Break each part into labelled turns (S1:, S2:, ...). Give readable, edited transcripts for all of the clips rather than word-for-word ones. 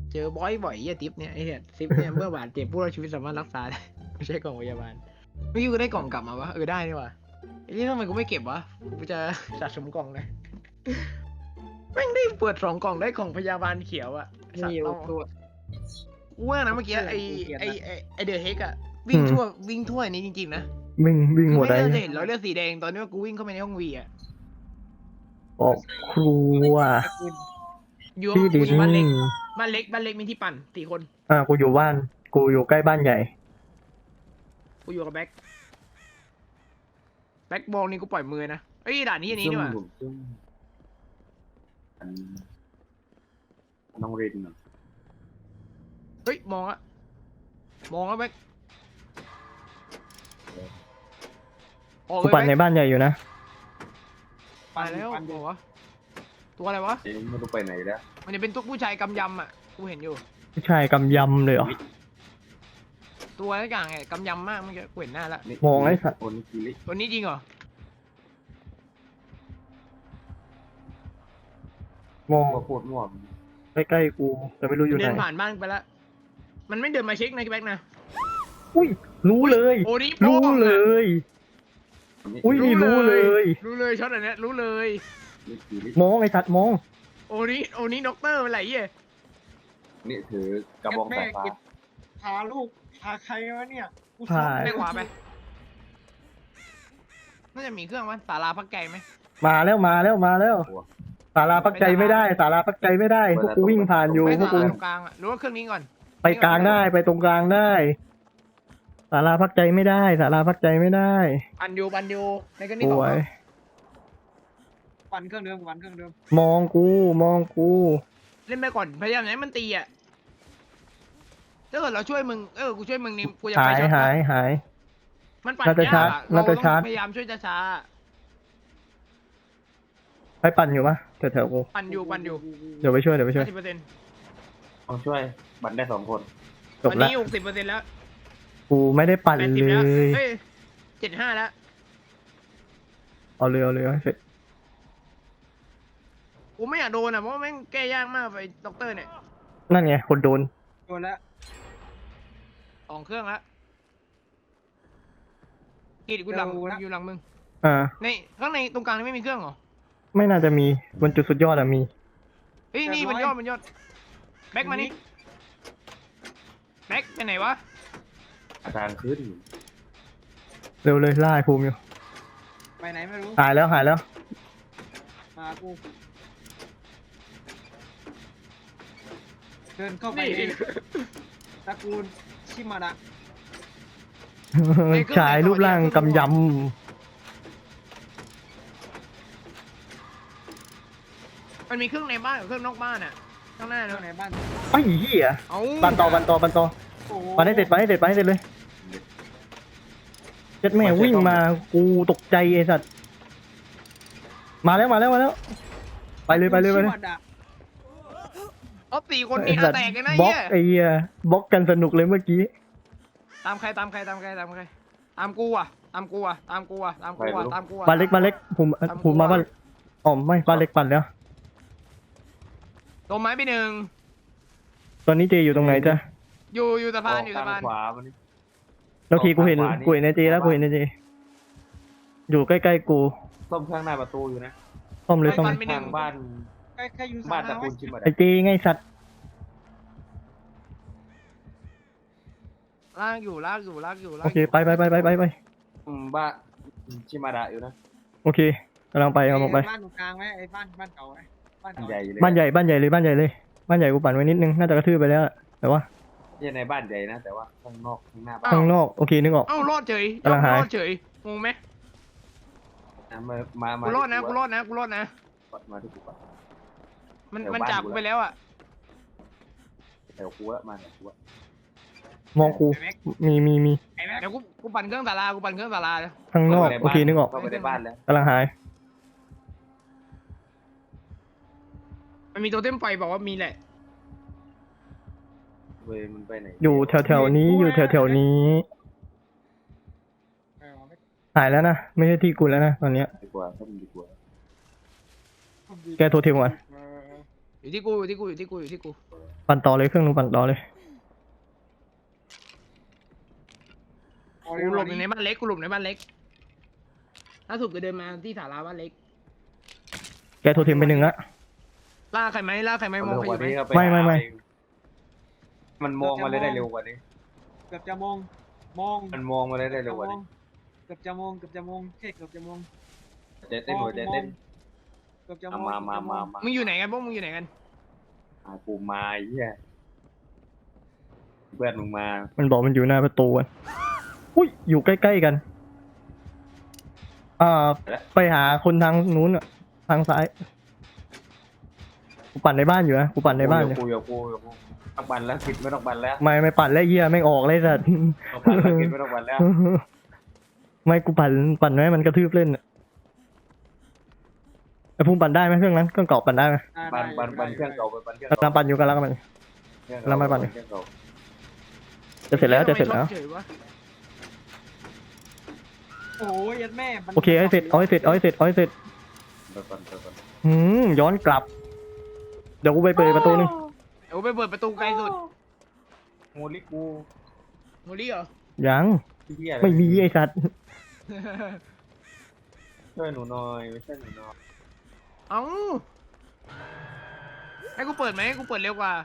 S1: เจอบ่อยๆทิปเนี่ยไอ้เนี่ยทิปเนี่ยเมื่อบาดเจ็บผู้รอดชีวิตสามารถรักษาได้ไม่ใช่กล่องพยาบาลเมื่อกี้กูได้กล่องกลับมาวะได้นี่วะไอ้นี่ทำไมกูไม่เก็บวะกูจะสะสมกล่องเลยแม่งได้เปิด2 กล่องได้กล่องพยาบาลเขียวอะสัต
S2: มี
S1: ว์
S2: อยู่
S1: ต้อง
S2: ตัว
S1: กูว่านะเมื่อกี้ไอเดอะเฮกอะวิ่งทั่วนี้จริงๆนะ
S3: วิ่ง
S1: คือ
S3: หมด
S1: ไม่
S3: ได้
S1: น่าจะเห็นรอยเลือดสีแดงตอนนี้ว่ากูวิ่งเข้าไปในห้องวีอะ
S3: ออกครัว
S1: อยู่
S3: ที่ดิ
S1: กูอยู่บ้านเล็ก
S3: น
S1: บ้านเล็กมีที่ปั่น4 คน
S3: กูอยู่บ้านกูอยู่ใกล้บ้านใหญ่
S1: กูอยู่กับแบ็คบอลนี่กูปล่อยมือนะเอ้ยด่านนี้อันนี้นี่หว่า
S4: น้องเรน
S1: เฮ้ยมองแล้วแบ็คออก
S3: กู
S1: เลย
S3: ปั่นใน
S1: แบ็ค
S3: บ้านใหญ่อยู่นะ
S1: ไปแล้วบอกว่าตัวอะไรวะ
S4: เอ๊ะไม่รู้ไปไหนแล้ว
S1: มันจะเป็นตุ๊กผู้ชายกำยำอ่ะกูเห็นอยู่
S3: ผู้ชายกำยำเลยเหรอ
S1: ตัวอะไรอย่างไงกำยำมากเมื่อกี้กูเห็นหน้าละ
S3: มองไอ้สัตว์
S4: โอนิกิริ
S1: ตัวนี้จริงเหรอ
S3: มอง
S4: ก็โคตรง่วง
S3: ใกล้ๆกูแต่ไม่รู้อยู่ไห
S1: เดิ
S3: น
S1: นผ่านบ้านไปแล้วมันไม่เดินมาเช็คนะแบ็คนะ
S3: อุ้ยรู้เลย
S1: โอ้นี่
S3: รู้เลย อุ้ยนี่รู้เลย
S1: รู้เลยช็อตอันเนี้ยรู้เลย
S4: นิกิริ
S3: มองไอ้สัตว์มอง
S1: โอ้นี่ด็อกเตอร์เป็นไรเย่
S4: นี่ถือกระบองสายฟ้า
S2: พาลูกพาใครวะเนี่ยกู
S3: พา
S1: ไปขวาไปน่าจะมีเครื่องวะศาลาพักใจไหม
S3: มาแล้วศาลาพักใจไม่ได้ศาลาพักใจไม่ได้พวกกูวิ่งผ่านอยู่
S1: ไป
S3: พวก
S1: ศา
S3: กู
S1: ลาตรงกลางอ่ะหรือว่าเครื่องนี้ก่อน
S3: ไปกลางได้ไปตรงกลางได้ศาลาพักใจไม่ได้ศาลาพักใจไม่ได้
S1: ปันยูในเครื่องนี้
S3: ส
S1: ก่อ
S3: วน ย
S2: ปั่นเครื่องเดิมปั่นเครื่องเดิม
S3: มองกู
S1: เล่นไปก่อนพยายามอย่าให้มันตีอ่ะถ้าเกิดเราช่วยมึงกูช่วยมึงนี่กูจะ
S3: หา
S1: ไป
S3: ย
S1: ช็อต
S3: หาย
S1: มันปั่น
S3: น่าจะ
S1: ยาก
S3: ชาร์จ
S1: อะ
S3: น่า
S1: เรา
S3: จะ
S1: ต้อ
S3: ชาร์จ
S1: งพยายามช่วยช้า
S3: ไปปั่นอยู่ปะแถวๆกู
S1: ๆปั่นอยู่
S3: เดี๋ยวไปช่วย
S1: 50%
S4: ต้องช่วยบัตรได้2 คน
S3: จ
S1: ต
S3: บ
S1: อน
S3: แล้ว
S1: นี้60%แล้ว
S3: กูไม่ได้ปั่น
S1: 80
S3: เล
S1: แล้ว
S3: ย
S1: เฮ้ย75แล้ว
S3: เอาเลยให้เสร็จ
S1: กูไม่อยากโดนอ่ะเพราะว่าแม่งแก้ยากมากไปด็อกเตอร์เนี่ย
S3: นั่นไงคนโดน
S2: โดนแล้ว
S1: 2 เครื่องแล้วกีดกูหลังอยู่หลังมึง ในข้างในตรงกลางนี่ไม่มีเครื่องเหรอ
S3: ไม่น่าจะมีบนจุดสุดยอดอะมี
S1: เฮ้ยนี่มันยอดแบ็คมานี่แบ็คไปไหนวะ
S4: อาการขึ้น
S3: เร็วเลยล่าไอ้ภูมิอยู่
S2: ไปไหนไม่รู้
S3: หายแล้ว
S2: มากูเดินเข้าไปในตระกูลชิมาดะ
S3: ชายรูปร่างกำย
S1: มันมีเครื่องในบ้านกับเครื่องนอกบ้านอ่ะข้างหน้า
S2: เครื่อง
S1: เนาะ
S2: ในบ้าน
S3: ำไอ้เหี้ย
S1: เอา
S3: ปันต่อ
S2: โอ้โห
S3: ปันให้เสร็จเลยเจ็ดแม่วิ่งมากูตกใจไอ้สัตว์มาแล้วไปเลย
S2: ชิมาดะ
S1: เอา4 คนนี่
S3: ไอ้สัตว์
S1: แตกเลยนะ
S3: บล็อก
S1: เหี้ย
S3: ไอ้เหี้ยบล็อกกันสนุกเลยเมื่อกี้
S1: ตามใครตามกูอ่ะตามกูอ่ะ
S3: บ้านเล็กผมมาบ้านอ๋อไม่บ้านเล็กปั่นแล้ว
S1: โดนไม้ไป1
S3: ตอนนี้เจอยู่ตรงไหนจ๊ะ
S1: อยู่สะพานอยู่
S4: ทา
S1: สะพาน
S4: งขวามันนี่
S3: แล้วทีกูเห็นในเจแล้วกูเห็นในเจอยู่ใกล้ๆกู
S4: ส้มข้างหน้าประตูอยู่นะ
S3: ซ่อมเลยซ่อม
S4: ทางบ้าน
S2: ใครอยู่สา
S4: บ้านต
S2: รา
S4: ระ
S2: ไว้
S4: กูลชิมา
S3: ไอ้
S4: ดะ
S3: เจไงสัตว์
S1: ลากอยู่
S3: โอเคไป
S4: บ้านชิมาดะอยู่นะ
S3: โอเคกำลังไป
S2: บ้านตรงกลางไหมไอ้บ้านเก่าไหมบ้าน
S4: บ้าน
S2: เก่า
S4: ใหญ่อยู่เลย
S3: บ้านใหญ่บ้านใหญ่เลยบ้านใหญ่กูปั่นไว้นิดนึงน่าจะกระทืบไปแล้วแต่ว่า
S4: ไม่ใช่ในบ้านใหญ่นะ แต่ว่าข้างนอกข้างหน้าบ้าน
S3: ข้างนอกโอเคนึกออก
S1: เอ้ารอดเฉย
S3: กำลังหาย
S1: รอดเฉยงงไหม
S4: มา
S1: กูรอดนะ
S4: มาที่กูก่อน
S1: มันจับกูไปแล้วอ่ะ
S4: แถวกูอะมาแถวกูอะ
S3: มองกูมี
S2: ไอ้แม็ก
S1: เดี๋ยวกูปั่นเครื่องศาลาเลย
S3: ข้างนอกโอเคนึกออก
S4: เข้าไปในบ้านแล้ว
S3: กำลังหาย
S1: มันมีตัวเต็มไฟบอกว่ามีแหละ
S4: เว้ยมันไปไหน
S3: อยู่แถวๆนี้หายแล้วนะไม่ใช่ที่กูแล้วนะตอนเนี้ย
S4: ดีกว่าถ้ามันดีกว่า
S3: แกโทรเทมก่อน
S1: อยู่ที่กูอยู่ที่กูอยู่ที่กูอยู่ที่กู
S3: ปั่นต่อเลยเครื่องนึงปั่นต่อเลย
S1: กูหลบอยู่ในบ้านเล็กกูหลบในบ้านเล็กล่าสุดก็เดินมาที่ศาลาบ้านเล็ก
S3: แกโทรเทมไปหนึ่งละ
S1: ล่าใครไหมล่าใครไหมมองใครอยู่ไหม
S3: ไม่
S4: มันมองมาเลยได้เร็วกว่านี้
S2: เกือบจะมอง
S4: มันมองมาเลยได้เร็วกว่านี้
S2: เกือบจะมองแค่เกือบจะมอง
S4: เต้นหัวใจเต้น
S2: เกือบจะมอง
S4: มา
S1: มึงอยู่ไหนกันพวกมึงอยู่ไหนกัน
S4: กูมาไอ้เหี้ยเพื่อนมึงมา
S3: มันบอกมันอยู่หน้าประตูกันอุ้ยอยู่ใกล้ๆกันไปหาคนทางนู้นอะทางซ้ายกูปั่นในบ้านอยู่นะกูปั่นในบ้านเลย
S4: กูต้องบันแล้วคิดไม่ต้องบันแล้ว
S3: ไม่ปั่นแล้วเหี้ยไม่งออกเลยสัตว์
S4: ต้องบันแล้วคิดไม่ต้องบันแล้ว
S3: ไม่กูปั่นไว้มันกระทืบเล่นอะไอ้ภูมิปั่นได้ไหมเครื่องนั้นเครื่องเก่าปั่นได้ไหม
S4: บันเครื่องเก่าไปบันเครื่อง
S3: กำลังปั่นอยู่กำลังปั่น แล้วไม่ปั่น
S4: เครื่องเก่า
S3: จะเสร็จแล้วจะเสร็จแล้ว
S1: เฉยวะ
S2: โอ้ยยัดแม่
S3: โอเคเอาให้เสร็จเอาให้เสร็จเอาให้เสร็จเอาให้เสร็จ
S4: เดี๋ยวก่อน
S3: ย้อนกลับ เดี๋ยวกูไปเปิดประตูนึง
S1: เดี๋ยวไปเปิดประตูไกลสุด
S4: โมลิกู
S1: โมลี่เหรอ
S3: ยัง
S4: เหี้ย
S3: ไม่มีไอ้สัตว์
S4: ช่วยหนูหน่อยไม่ใช่หนูหน่อย
S1: เอ้าให้กูเปิดไหมให้กูเปิดเร็วกว่า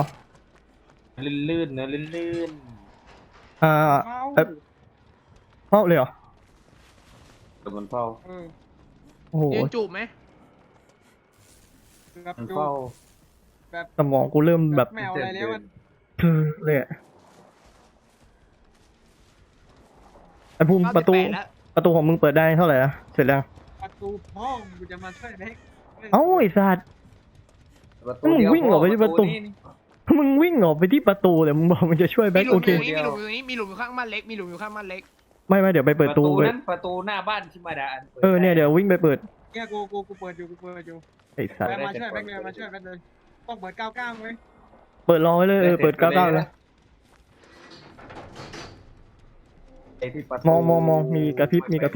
S4: ลื่นๆนะลื่น
S3: อ่า
S2: เฝ้า
S3: เข้าเลยเหรอ
S4: ๆแต่มันเฝ้า
S3: โอ้โห
S1: ยืนจูบไหม
S2: เกือบ
S4: มัน
S2: จู
S4: เฝ้า
S3: สมองกูเริ่มแบบ
S2: ไม่เอาอะไรแล้วมัน
S3: เลยอะไอ้ภูมิประตู
S1: 98แล้ว
S3: ประตูของมึงเปิดได้เท่าไหร่อะเสร็จแล้ว
S2: ประตูห้องกูจะมาช่วยเล็ก
S3: เอ้าไอ้สัตว์
S4: ประตูเดียว
S3: มึงวิ่งออกไปที่ประตู
S4: นี่
S3: มึงวิ่งออกไปที่ประตูเลยมึงบอกมึงจะช่วยแบ็
S1: มี
S3: ค
S1: หลุ
S3: โอ
S1: ม
S3: เค
S1: อยู่ตรงนี้มีหลุมอยู่ข้างบ้านเล็กมีหลุมอยู่ข้างบ้านเล็ก
S3: ไม่เดี๋ยวไปเปิด
S4: ประ
S3: ตู
S4: ตู
S3: ไป
S4: นั้นประตูหน้าบ้านชิมาดาอัน
S3: เนี่ยเดี๋ยววิ่งไปเปิด
S2: แกกูเปิดอยู่
S3: ไอ้สัตว์
S2: แบมาช่วยแบเลยมาช่วยแบเลยต้องเปิด99ไหม
S3: เปิดรอไว้เลยเปิด99เลย
S4: ไอ้ที่ประตู
S3: มองมีกระพริบเดี๋ยว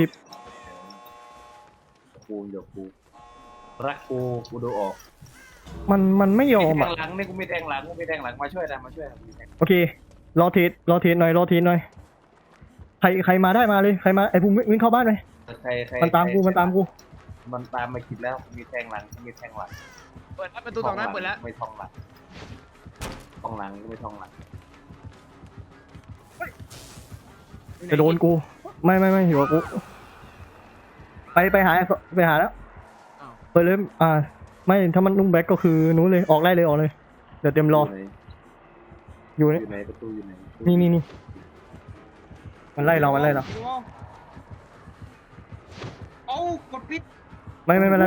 S4: กูรักกูดูออก
S3: มันไม่ยอม
S4: แท
S3: อ่ะ
S4: งหลังนี่กูมีแทงหลังมาช่วยนะ
S3: โอเครอเทสหน่อยใครมาได้มาเลยใครมาไอ้ภูมิวิ่งเข้าบ้านไป
S4: ใคร
S3: มันตามกู
S4: มันตามมาคิดแล้วมีแทงหลัง
S1: เปิดแล้วประตูสองด้านเปิดแล้ว
S4: ไม่ทองหลังไม่ทองหลัง
S3: จะโดนกูไม่อยู่กับกูไปหาแล้ว
S1: อ้าว
S3: เปิดเลยไม่ถ้ามันนุ่งแบ็คก็คือนู้นเลยออกเลยเดี๋ยวเตรียมรออยู่
S4: อ
S3: นี่
S4: ยู่ไหนประตูอยู่ไหน
S3: นี่มันไล่เรา
S2: เอ้ากดปิด
S3: ไม่
S4: พี่
S3: มัน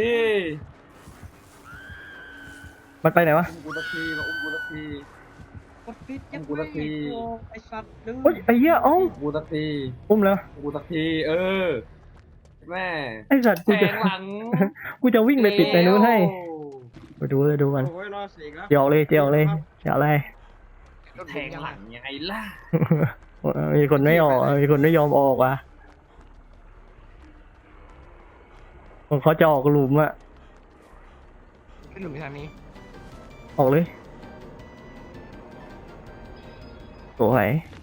S3: ไปไหนวะ
S4: กูตะทีมากูตะที
S2: กดปิดยัง
S4: กูละที
S2: ไอ้สัตว์ดื้อ
S3: เฮ้ยไอ้เหี้ยเอ้า
S4: กูตะที
S3: อุ้มแล้ว
S4: กูตะทีแม่
S3: ไอ้สัตว์
S4: แทงหลัง
S3: กูจะวิ่งไปปิดในนู้นให้ไปดูกัน
S2: โอ้ยรอเสียงแล้ว
S3: เจียวเลยเจียวอะไร
S4: แทงหลังยังไงล่ะ
S3: มีคนไม่ออกมีคนไม่ยอมออกว่ะเขาจะออกหลุมอะ
S1: ขึ้นหลุมไปทางนี้
S3: ออกเลยสวย